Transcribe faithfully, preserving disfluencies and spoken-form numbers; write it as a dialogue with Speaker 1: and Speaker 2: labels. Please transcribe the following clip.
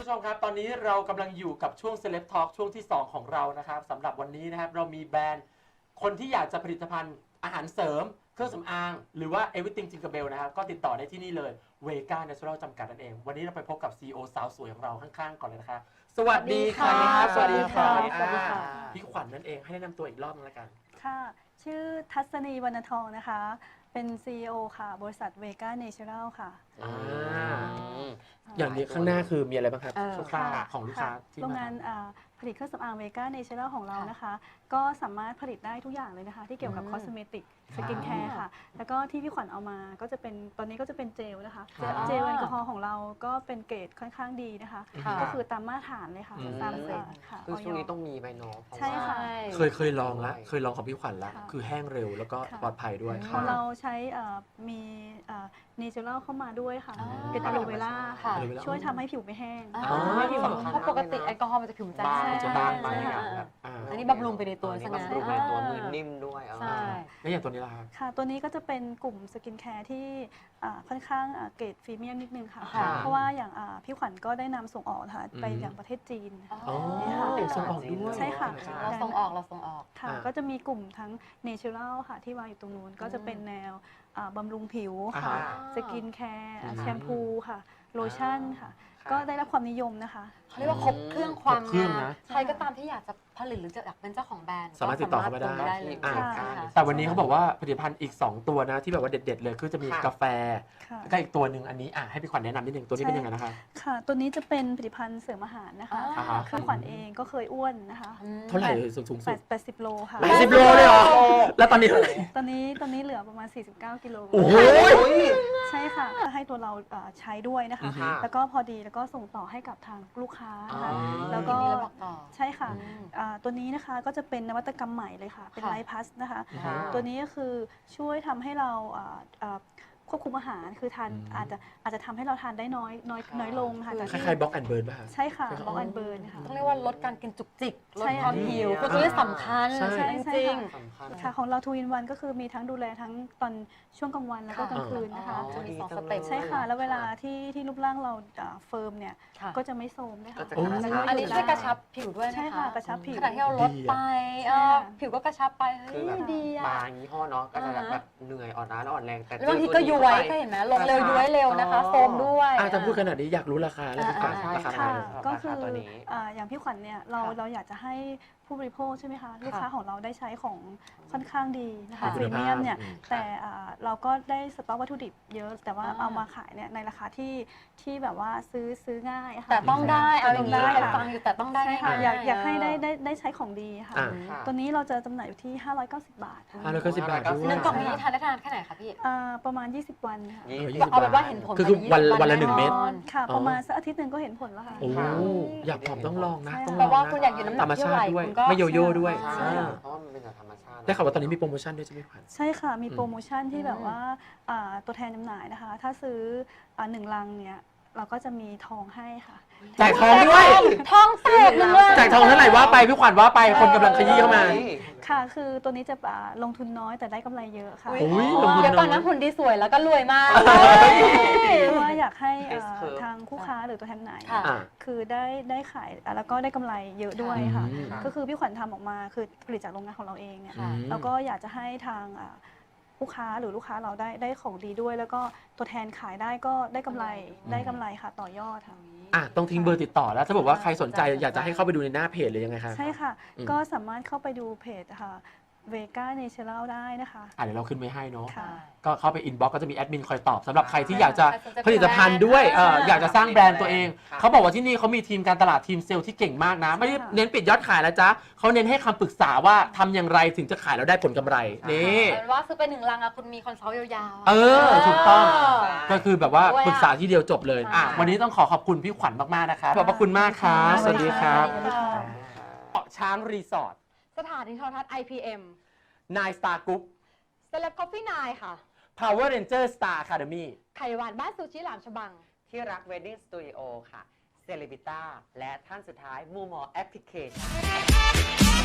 Speaker 1: ชมครับตอนนี้เรากำลังอยู่กับช่วง Celeb Talk ช่วงที่สองของเรานะครับสำหรับวันนี้นะครับเรามีแบรนด์คนที่อยากจะผลิตภัณฑ์อาหารเสริมเครื่องสำอางหรือว่า Everything Tinkerbell นะครับก็ติดต่อได้ที่นี่เลย Vega Natural จำกัดนั่นเองวันนี้เราไปพบกับ ซี อี โอ สาวสวยของเราข้างๆก่อนเลยนะคะสวัสดีค่ะสวัสดีค่ะพี่ขวัญนั่นเองให้แนะนำตัวอีกรอบนึงละกัน
Speaker 2: ค่ะชื่อทัศนีวรรณทองนะคะเป็น ซี อี โอ ค่ะบริษัท Vega Natural ค่ะ
Speaker 1: อย่างนี้ข้างหน้าคือมีอะไรบ้างครับคร่าวๆของลูกค้าที่
Speaker 2: โรงงานผลิตเครื่องสำอาง Vega Natural ของเรานะคะก็สามารถผลิตได้ทุกอย่างเลยนะคะที่เกี่ยวกับคอสเมติกสกินแคร์ค่ะแล้วก็ที่พี่ขวัญเอามาก็จะเป็นตอนนี้ก็จะเป็นเจลนะคะเจลแอลกอฮอล์ของเราก็เป็นเกรดค่อนข้างดีนะคะก็คือตามมาตรฐานเลยค่ะตามเกรดค่ะ
Speaker 3: คือช่วงนี้ต้องมีใบโน้ต
Speaker 2: ใช่ค่ะ
Speaker 1: เคยเคยลองแล้วเคยลองของพี่ขวัญแล้วคือแห้งเร็วแล้วก็ปลอดภัยด้วย
Speaker 2: ของเราใช้มีเนเชอรัลเข้ามาด้วยค่ะเป็นอะโลเวล่าค่ะช่วยทำให้ผิวไม่แห้ง
Speaker 4: เพราะปกติแอลกอฮอล์มันจะผิวจาง
Speaker 3: จะบางไป
Speaker 4: อันนี้บำรุงไปในตัว
Speaker 3: ซะงั้นบำรุงไปในตัวมือนิ่มด้วย
Speaker 4: ใช่
Speaker 1: แล้วอย่างตัวนี้ล่ะครับ
Speaker 2: ค่ะตัวนี้ก็จะเป็นกลุ่มสกินแคร์ที่ค่อนข้างเกรดพรีเมียมนิดนึงค่ะเพราะว่าอย่างพี่ขวัญก็ได้นำส่งออกค่ะไปอย่างประเทศจีน
Speaker 1: อ๋อส่งออกด้วย
Speaker 2: ใช่ค่ะ
Speaker 4: เราส่งออกเราส่งออก
Speaker 2: ค่ะก็จะมีกลุ่มทั้งเนเชอรัลค่ะที่วางอยู่ตรงนู้นก็จะเป็นแนวบำรุงผิวค่ะสกินแคร์แชมพูค่ะโลชั่นค่ะก็ได้รับความนิยมนะคะ
Speaker 4: เขาเรียกว่าครบเครื่องความงามใครก็ตามที่อยากจะผลิตหรือจะอยากเป็นเจ้าของแบรนด์
Speaker 1: สามารถติดต่อเข้ามาได้
Speaker 4: เลย
Speaker 1: แต่วันนี้เขาบอกว่าผลิตภัณฑ์อีกสองตัวนะที่แบบว่าเด็ดๆเลยคือจะมีกาแฟแล้วก็อีกตัวหนึ่งอันนี้อ่ะให้พี่ขวัญแนะนำนิดนึงตัวนี้เป็นยังไงนะคะ
Speaker 2: ค่ะตัวนี้จะเป็นผลิตภัณฑ์เสริมอาหารนะคะคือขวัญเองก็เคยอ้วนนะคะ
Speaker 1: เท่าไหร่สูงสูงสุด
Speaker 2: แปดสิบโลค่ะ
Speaker 1: แปดสิบโลเลยเหรอแล้วตอนนี้เท่าไหร่
Speaker 2: ตอนนี้ตอนนี้เหลือประมาณสี่สิบเก้ากิโล
Speaker 1: โอ้โห
Speaker 2: ใช่ค่ะให้ตัวเราใช้ด้วยนะคะแล้วก็พอดีแล้วก็ส่งต่อให้กับทางลูกค้านะคะแล้วก็ใช่ค่ะตัวนี้นะคะก็จะเป็นนวัตกรรมใหม่เลยค่ะเป็นไลฟ์พัสนะคะตัวนี้ก็คือช่วยทำให้เราควบคุมอาหารคือทานอาจจะอาจจะทำให้เราทานได้น้อยน้อยน้อยลงค่ะ
Speaker 1: คล้ายๆบล็อกแอนเบิร์นป่ะ
Speaker 2: ใช่ค่ะบล็อกแอนเบิร์นค่ะ
Speaker 4: ต้องเรียกว่าลดการกินจุกจิกลดความหิวคือตัวนี้สำคัญจริง
Speaker 2: ค่ะของเราทูอินวันก็คือมีทั้งดูแลทั้งตอนช่วงกลางวันแล้วก็กลางคืนนะคะ
Speaker 4: จะมีสองสเต็ป
Speaker 2: ใช่ค่ะแล้วเวลาที่ที่รูปร่างเราเฟิร์มเนี่ยก็จะไม่โทรมด้วยค่ะ
Speaker 4: อันนี้ช่วยกระชับผิวด้วย
Speaker 2: ใช่ค่ะกระชับผิว
Speaker 4: ขณะที่เราลดไปผิวก็กระชับไปเฮ้ยดี
Speaker 3: อ่ะบางยี่ห้อเนาะก็จะแบบเหนื่อยอ่อนล้าแล้วอ่อนแรงแต่
Speaker 4: บางทีก็ย้วยก็เห็นไหมลงเร็วย้วยเร็วนะคะโฟมด้วย
Speaker 1: อาจจะพูดขนาดนี้อยากรู้ราคาแล้วค่ะ
Speaker 2: ราคาก็คืออย่างพี่ขวัญเนี่ยเราเราอยากจะให้ผู้บริโภคใช่ไหมคะลูกค้าของเราได้ใช้ของค่อนข้างดีนะคะพรีเมียมเนี่ยแต่เราก็ได้สต็อกวัตถุดิบเยอะแต่ว่าเอามาขายเนี่ยในราคาที่ที่แบบว่าซื้อซื้อง่ายค่ะ
Speaker 4: แต่ต้องได้เอาอย่างนี้ฟังอยู่แต่ต้องได้
Speaker 2: ค่ะอยากอยากให้ได้ได้ได้ใช้ของดีค่ะตัวนี้เราจะจำหน่ายอยู่ที่ห้าร้อยเก้าสิบบาท
Speaker 1: ห้าร้อยเก้าสิบบาท
Speaker 4: หนึ่งกล่องนี้ทานได้ทานแค่ไหนคะพี่
Speaker 2: ประมาณยี่สิบวันค่ะ
Speaker 4: เอาแบบว่าเห็นผล
Speaker 1: คือวันวันละหนึ่งเม็ด
Speaker 2: ค่ะประมาณสักอาทิตย์หนึ่งก็เห็นผลแล้วค่ะ
Speaker 1: โอ้อยากผอมต้องลองนะต้อง
Speaker 4: ลองว่าคุณอยากอยู่น้ำหนักเท่าไหร่คุณก็
Speaker 1: ไม่โยโย่ด้วย
Speaker 3: เพราะมันเป็นธรรมชาติ
Speaker 1: ได้ข่าวว่าตอนนี้มีโปรโมชั่นด้วยใช่ไหมขวัญ
Speaker 2: ใช่ค่ะมีโปรโมชั่นที่แบบว่าตัวแทนจำหน่ายนะคะถ้าซื้อหนึ่งลังเนี่ยเราก็จะมีทองให้ค่ะ
Speaker 1: จ่ายทองด้วย
Speaker 4: ทองแสนเลย
Speaker 1: จ่ายทองเท่าไหร่ว่าไปพี่ขวัญว่าไปคนกำลังขยี้เข้ามา
Speaker 2: ค่ะคือตัวนี้จะลงทุนน้อยแต่ได้กำไรเยอะค่ะ
Speaker 4: เดี๋ยวก่อนนะหุ่นดีสวยแล้วก็รวยมาก
Speaker 2: เพราะว่าอยากให้ทางคู่ค้าหรือตัวแทนไหนคือได้ได้ขายแล้วก็ได้กำไรเยอะด้วยค่ะก็คือพี่ขวัญทำออกมาคือผลิตจากโรงงานของเราเองเนี่ยแล้วก็อยากจะให้ทางลูกค้าหรือลูกค้าเราได้ได้ของดีด้วยแล้วก็ตัวแทนขายได้ก็ได้กำไรได้กำไรค่ะต่อยอดทางนี้
Speaker 1: อ่ะต้องทิ้งเบอร์ติดต่อแล้วถ้าบอกว่าใครสนใจอยากจะให้เข้าไปดูในหน้าเพจเลยยังไงคะ
Speaker 2: ใช่ค่ะก็สามารถเข้าไปดูเพจค่ะ Vega Natural ได้นะคะ
Speaker 1: อ่ะเดี๋ยวเราขึ้นไว้ให้เนาะก็เข้าไปอินบ็อกซ์ก็จะมีแอดมินคอยตอบสำหรับใครที่อยากจะผลิตภัณฑ์ด้วยเอออยากจะสร้างแบรนด์ตัวเองเขาบอกว่าที่นี่เขามีทีมการตลาดทีมเซลล์ที่เก่งมากนะไม่ได้เน้นปิดยอดขายแล้วจ้ะเขาเน้นให้คำปรึกษาว่าทำอย่างไรถึงจะขายแล้วได้ผลกำไรนี่
Speaker 4: ว่าซื้อไปหนึ่งลังอะคุณมีคอนซัลท์ยาว
Speaker 1: ๆเออถูกต้องก็คือแบบว่าปรึกษาที่เดียวจบเลยอ่ะวันนี้ต้องขอขอบคุณพี่ขวัญมากๆนะคะขอบพระคุณมากครับสวัสดีครับเกาะช้างรีสอร์ท
Speaker 4: สถานีโทรทัศน์ ไอ พี เอ็ม
Speaker 1: Nine Star Group
Speaker 4: Celeb Coffee ไนน์ค่ะ
Speaker 1: Power Ranger Star Academy
Speaker 4: ไข่หวานบ้านซูชิหลามฉบัง
Speaker 3: ที่รัก Wedding Studio ค่ะ Celebita และท่านสุดท้ายมูมอแอปพลิเคชัน